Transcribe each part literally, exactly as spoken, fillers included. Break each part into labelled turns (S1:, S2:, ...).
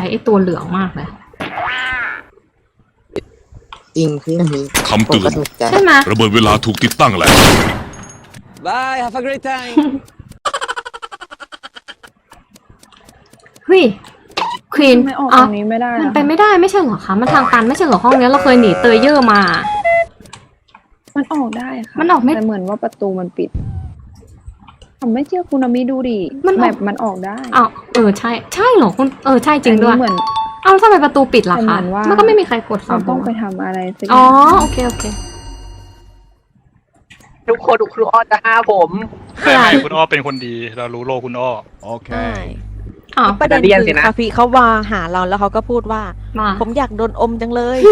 S1: ไอ้ตัวเหลืองมากเลย
S2: จริงพี่นี้
S3: คำเตือน
S1: ใช่ไหม
S3: ระเบิดเวลาถูกติดตั้งแล้ว
S4: Bye have a great time
S1: เฮ้ยควีน
S5: ไม่ออกตรงนี้ไม่ได้
S1: มันไปไม่ได้ไม่ใช่เหรอคะมันทางตันไม่ใช่เหรอห้องนี้เราเคยหนีเตยเยอร์มา
S5: มันออกได้ค่ะ
S1: มันออกไม่
S5: แต่เหมือนว่าประตูมันปิดผมไม่เชื่อคุณอามิดูดิมันแบบมันออกได้
S1: อ้าวเออใช่ใช่เหรอคุณเออใช่จริงด้วย
S5: เหมือน
S1: เอ้าทำไมประตูปิดล่ะคะมันก็ไม่มีใครกด
S5: เราต้องไปทำอะไรสักอย่าง
S1: อ๋อโอเคโอเค
S2: ทุกคนครูอ้อจะห้าผม
S6: ไม่ไม่คุณอ้อเป็นคนดีเรารู้โลคุณอ้อ
S7: โอเค
S8: ประเด็นคือคาฟีเขาว่าหาเราแล้วเขาก็พูดว่าผมอยากโดนอมจังเลย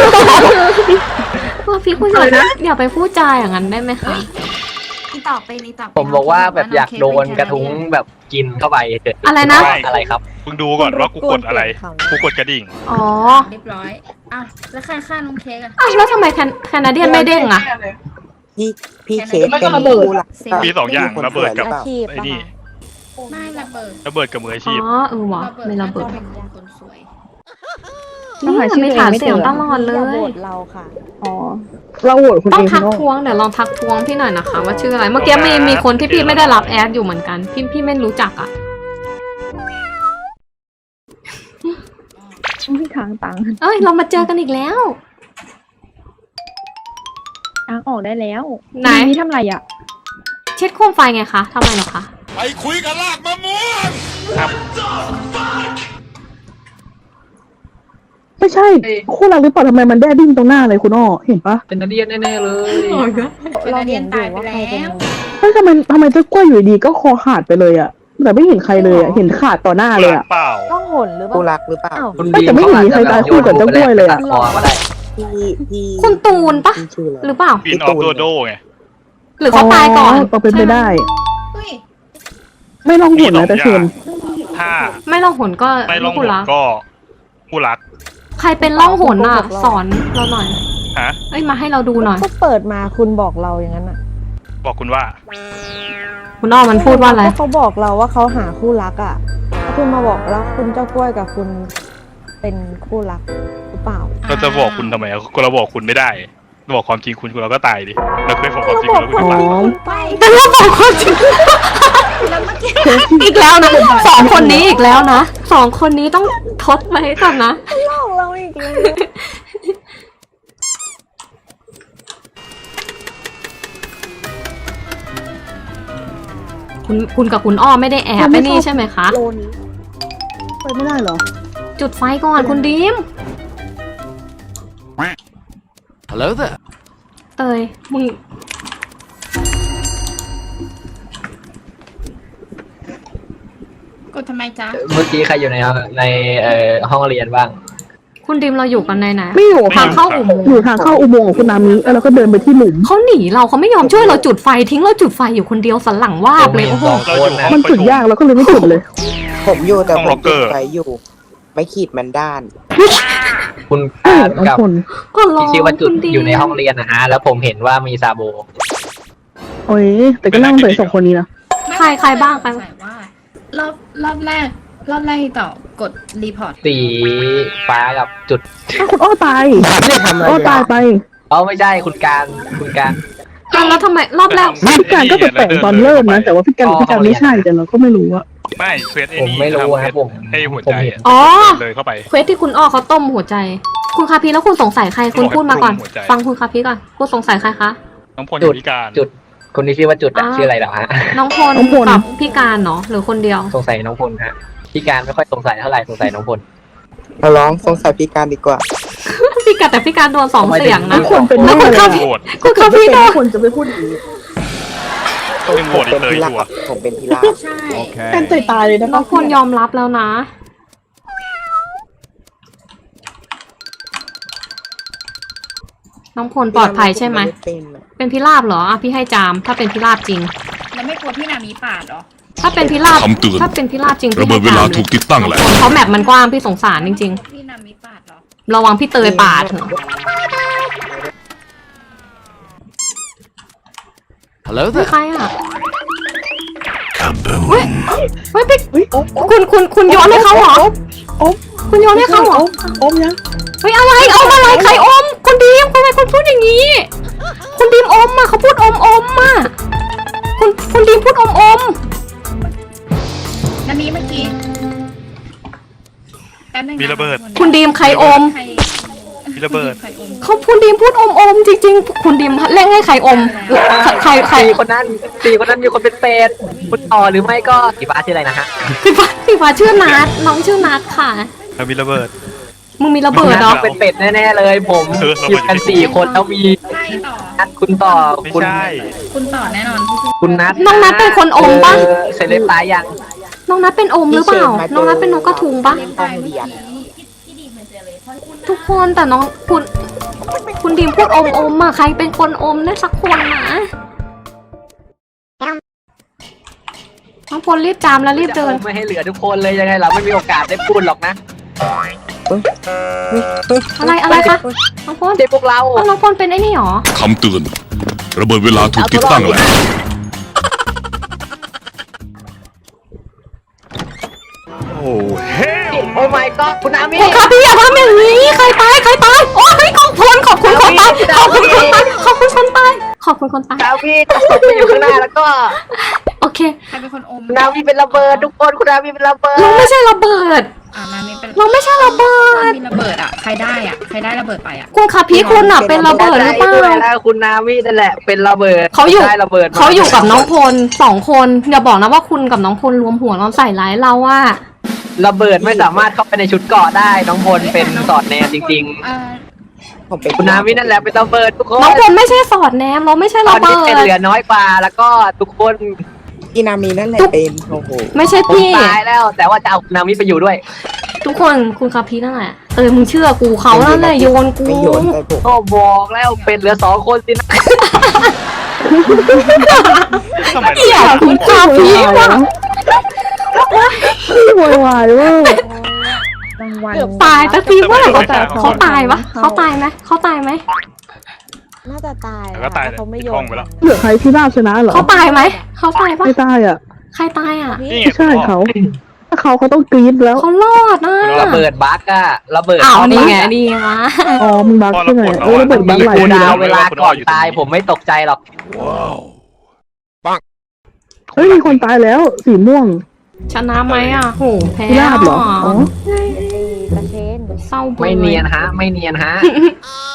S1: คาฟีคุณอย่าอย่าไปพูดจาอย่างนั้นได้ไหมคะ
S9: นี่ต่อไปนี่ต่อ
S2: ผมบอกว่าแบบอยากโดนกระทุ้งแบบกินเข้าไปเฉย
S1: อะไรนะ
S2: อะไรครับ
S6: มึงดูก่อนว่ากูกดอะไรกูกดกระดิ่ง
S1: อ๋อ
S9: เรียบร้อยอ้าวแล้วใครฆ่าน้องเค้กอะ
S1: อ้าวแล้วทำไมแคนาเดียนไม่เด้งอะ
S2: พี่พี่เค้กเป็นผู้หลัก
S6: มีสองอย่างระเบิดกับไอ้นี่
S9: ไม่ระเบิด
S6: ระเบิดกับมืออาชีพ
S1: อ๋อเออวะไม่ระเบิด
S9: เป็นคนสวย
S1: นี่มันไม่ถามเสียงตลอดเลย
S8: เราค่ะ
S5: อ๋อเราโหวตคุณ
S1: ต้องทักท้วงเดี๋ยวลองทักท้วงพี่หน่อยนะคะว่าชื่ออะไรเมื่อกี้มีมีคนที่พี่ไม่ได้รับแอดอยู่เหมือนกันพี่พี่ไม่รู้จักอ่ะ
S5: พี่ทางตัง
S1: เอ้ยเรามาเจอกันอีกแล้ว
S5: ทางออกได้แล้ว
S1: ไหน
S5: พี่ทำอะไรอ่ะ
S1: เช็ดโคมไฟไงคะทำไมหรอคะ
S3: ไปคุยกันลากมะม่วง
S6: ครับ
S5: ไม่ใช่คู่รักหรือเปล่าทำไมมันแด้ดิ้นตรงหน้าเลยคุณอ้อเห็นปะ
S2: เป็นนาเดียนแน่ๆเลย
S9: เราเรียนตายไปแล้ว
S5: เฮ้ยทำไมทำไมเจ้ากล้วยอยู่ดีก็คอขาดไปเลยอ่ะแต่ไม่เห็นใครเลยอ่ะเห็นขาดต่อหน้าเลยอ่ะ
S8: ต้องหนหรือเปล่า
S2: คู่รักหรือเปล่า
S5: แต่ไม่เห็นมีใครตายคู่กับเจ้ากล้วยเลยอ่ะ
S1: คุณตูนปะหรือเปล่า
S6: ปีนออฟโดโดไง
S1: หรือเขาตายก่อน
S5: ก็เป็นไปได้ไม่ลองหนนะแต่เชิญ
S6: ถ้า
S1: ไม่ลองหนก็
S6: ไม่ลองหนก็คู่รัก
S1: ใครเป็นล่องหนอ่ะสอนเราหน่อย
S6: ฮะ
S1: เอ้ยมาให้เราดูหน่อย
S8: ก็เปิดมาคุณบอกเราอย่างนั้นอ่ะ
S6: บอกคุณว่า
S1: คุณอ้อมันพูดว่าอะไร
S8: เขาบอกเราว่าเขาหาคู่รักอ่ะคุณมาบอกแล้วคุณเจ้ากล้วยกับคุณเป็นคู่รักหรือเปล่า
S6: เราจะบอกคุณทำไมก็เราบอกคุณไม่ได้บอกความจริงคุณคุณเราก็ตายดิเราเคยบอกความจริงแล้วคุณก็ตาย
S1: แต่เราบอกความจริงอีกแล้วนะสองคนนี้อีกแล้วนะสองคนนี้ต้องทดไว้ก่อนนะ
S8: หลอกเราอีกแล้ว
S1: คุณคุณกับคุณอ้อไม่ได้แอบไปนี่ใช่ไหมคะ
S5: ไปไม่ได้เหรอ
S1: จุดไฟก่อนคุณดิม
S7: Hello there
S1: เตยมึง
S9: กดทำไมจ๊ะ
S2: เมื่อกี้ใครอยู่ในในเอ่อห้องเรียนบ้าง
S1: คุณดิมเราอยู่กันในไหน
S5: ไม่อยู่
S1: ทางเข้าอุโมงค์
S5: อยู่ทางเข้าอุโมงค์ของคุณนามิแล้วก็เดินไปที่หลุม
S1: เขาหนีเราเขาไม่ยอมช่วยเราจุดไฟทิ้งเราจุดไฟอยู่คนเดียวสันหลังว่าบเลยโอ้โห
S5: มันจุดยากแล้วก็เลยไม่จุดเลย
S2: ผมอยู่แต่ผมจุดไฟอยู่ไม่ขีดมันด้านคุณกับที่ชื่อว่าจุดอยู่ในห้องเรียนนะฮะแล้วผมเห็นว่ามีซาโบ
S5: โอ้ยแต่ก็นั่งเตยสองคนนี้นะ
S1: ใครใครบ้างไป
S9: ว่ารอบรอบแรกรอบแรกต่อกดรีพอร์ต
S2: สีฟ้ากับจุด
S5: คุณอ้อตายอ้อตายไป
S2: อ๋อไม่ใช่คุณการคุณการ
S1: แล้วทำไมรอบแรก
S5: พี่การก็แปลกตอนเริ่มนะแต่ว่าพี่การพี่การไม่ใช่แต่เราก็ไม่รู้อะ
S6: ไม่เควสไอ้
S2: นี่ผมไม่รู้ครับผม
S6: ให้หัวใจ
S1: อ๋อ
S6: เลยเข้าไป
S1: เควสที่คุณอ้อเขาต้มหัวใจคุณคาพีแล้วคุณสงสัยใครคุณพูดมาก่อนฟังคุณคาพีก่อนคุณสงสัยใครคะ
S6: น้องพลอยู่พิการ
S2: จุดคนที่ชื่อว่าจุดชื่ออะไรหรอฮะ
S1: น้องพลกับพี่การเนาะหรือคนเดียว
S2: สงสัยน้องพลฮะพี่การไม่ค่อยสงสัยเท่าไหร่สงสัยน้องพลเราร้องสงสัยพี่การดีกว่า
S1: พี่การแต่พี่การโดนสองเสียงนะ
S5: คนเป็น
S1: แล้วคุณคาพีคุณคาพีโดน
S5: คนจะไปพูดอย่างนี้
S6: เป็นโหวตอีกเลยชัวร์
S2: ผมเป็นพิราบ
S9: ใช่
S5: การตายตายเลยนะ
S1: น้องพลยอมรับแล้วนะน้องพลปลอดภัยใช่ไหมเป็นพิราบเหรออ่ะพี่ให้จามถ้าเป็นพิราบจริง
S9: แล้วไม่กลัวพี่นามีปาดหรอ
S1: ถ้าเป็นพิราบถ้าเป็นพิราบจริง
S3: ระเบิดเวลาถูกติดตั้งแล้ว
S1: เพราะแมปมันกว้างพี่สงสารจริง
S9: ๆพี่นามีปาดหรอ
S1: ระวังพี่เตยปาดเถอะ
S7: Hello
S1: ใครอ่ะเฮ้ยเฮ้ยพี่คุณคุณคุณโยนให้เขาเหรอคุณโยนให้เขาเหรอ
S5: อมยัง
S1: เฮ้ยอะไรอมอะไรใครอมคุณดีมทำไมคุณพูดอย่างนี้ คุณดีมอมอ่ะเขาพูดอมอมอ่ะคุณคุณดีมพูดอมอม
S9: นันนี้เมื่อกี้แป๊บนึงน
S6: มีระเบิด
S1: คุณดีมใครอม
S9: ใคร
S6: มีระเบิด
S9: ใครอม
S1: เขาคุณดีมพูดอมอมจริงๆ คุณดีมเร่งให้ใครอมใครใคร
S2: สี่คนนั้นสี่คนนั้นมีคนเป็นเป็ดคุณต่อหรือไม่ก็สีฟ้าชื่ออะไรนะฮะ
S1: พี่ฟ้าพี่ฟ้าชื่อนัทน้องชื่อนัทค่ะ
S6: แล้วมีระเบิด
S1: มึงมีระเบิดเหรอ
S2: เป็นเป็ดแน่ๆเลย ผม
S6: เออระเบิด
S2: อยู่กันสี่คนแล้วมี
S9: ใช่ต่อ
S2: นัดคุณต่อ
S6: ไม่
S2: คุณ
S6: ใช่
S9: คุณต่อแน่นอน
S2: คุณนัด
S1: น้องนัทเป็นคนอมปะ
S2: เออเสร็จเรียบร้อยยัง
S1: น้องนัทเป็นอมหรือเปล่า น้องนัทเป็นนกกระทุงปะ
S9: ตายเมื่อกี้
S1: ทุกคนแต่น้องคุณคุณดีมพูดอมอมอะใครเป็นคนอมได้สักคนนะน้องพลรีบจามแล้วรีบเดิน
S2: ไม่ให้เหลือทุกคนเลยยังไงเราไม่มีโอกาสได้พูดหรอกนะ
S1: อะไรอะไรคะน้องพล
S2: เจ๊พวกเรา
S1: น้องพลเป็นไอ้นี่หรอ
S3: คำเตือน ระเบิดเวลาถูกติดตั้งแล้ว
S6: โอ้เฮ้
S2: โอ้ my god คุณอามิ
S1: คุณคะพี่อย่าทำอย่างนี้ใครตายใครตายโอ้ยขอบคุณขอบคุณคนตายขอบคุณคนตายขอบคุณคนตายขอบคุณคนตาย
S2: อามิตกไปอยู่ข้างหน้าแล้วก็
S1: โอเค
S9: ใครเป็นคนอม
S2: คุณอามิเป็นระเบิดทุกคนคุณอามิเป็นระเบิด
S1: เราไม่ใช่ระเบิด
S9: อ่านามิเป็น
S1: เราไม่ใช่ระเบิด
S9: มีระเบิดอ่ะใครได้อ่ะใครได้ระเบิดไปอ่ะ
S1: คุณคะพี่คุณอะเป็นระเบิดหรือเปล่า
S2: ด้วยแล้วคุณนามินั่นแหละเป็นระเบิด
S1: เขาอยู่
S2: ได้ระเบิดม
S1: เขาอยู่กับน้องพลสองคนอย่าบอกนะว่าคุณกับน้องพลรวมหัวเราใส่ร้ายเราอะ
S2: ระเบิดไม่สามารถเข้าไปในชุดเกราะได้น้องพลเป็นสอดแนมจริง
S9: เอ่อ
S5: ผมเป็น
S2: ๆ คุณนามินั่นแหละเป็นระเบิดทุกคน
S1: น้องพลไม่ใช่สอดแนมเราไม่ใช่
S2: ตอ
S1: ระ
S2: น
S1: เบิ
S2: นี้เป็น
S1: ด
S2: เหลือน้อยกว่าแล้วก็ทุกคน
S5: อีนามีนั่นแหละเป็นโอ้โห
S1: ไม่ใช่
S2: ผม
S1: พี่
S2: ตายแล้ว แต่ว่าจะเอาคุณนามิไปอยู่ด้วย
S1: ทุกคนคุณคะพี่นั่นแหละเออมึงเชื่อกูเขานั่นแหละโยนกู
S5: ไม่โยนไปผม
S2: ก็บอกแล้วเป็นเหลือสองคนสินะ
S6: ทำไม
S1: เหี้ยคุณคะพี่ว่ะ
S5: โวยวายเว่า
S8: รางวัล
S1: ตายแต่ทีเมื่อไหร่เขา
S8: แต่
S1: เขาตายวะเขาตายไหมเขาตายไหม
S8: น่าจะตาย
S6: แล้วก็ตาย
S8: แต่เขาไม่โย
S6: ในห้อน งไปแล้ว
S5: เหลือใครที่ราบชนะเหรอ
S1: เขาตายไหมเขาตายปะ
S5: ไม่ตายอ่ะ
S1: ใครตายอ่ะ
S6: นี่ไง
S5: ไม่ใช่เขา ถ้าเขาเขาต้องกรี๊ดแล้ว
S1: เขารอดนะ
S2: ระเบิดบั๊กอะระเบิด
S1: อ้าว
S2: เข้า
S1: นี่
S2: บั๊ก
S1: ไง
S2: อะ
S1: นี่ไงวะ
S5: อ๋อมึงบักใช่ไหมเออระเบิดบัก
S2: มี
S5: หลาย
S2: คู
S5: ที
S2: ดา
S5: แล้ว ว
S2: เวลาก่อนตายผมไม่ตกใจหรอก
S5: เฮ้ยมีคนตายแล้วสีม่วง
S1: ชนะไหมอ่ะโหแพ้
S5: ที่ราบเหรออ๋อ
S8: ตะเชน
S1: เศร้าเบื่อ
S2: ไม่เนียนฮะ ไม่เนียนฮะ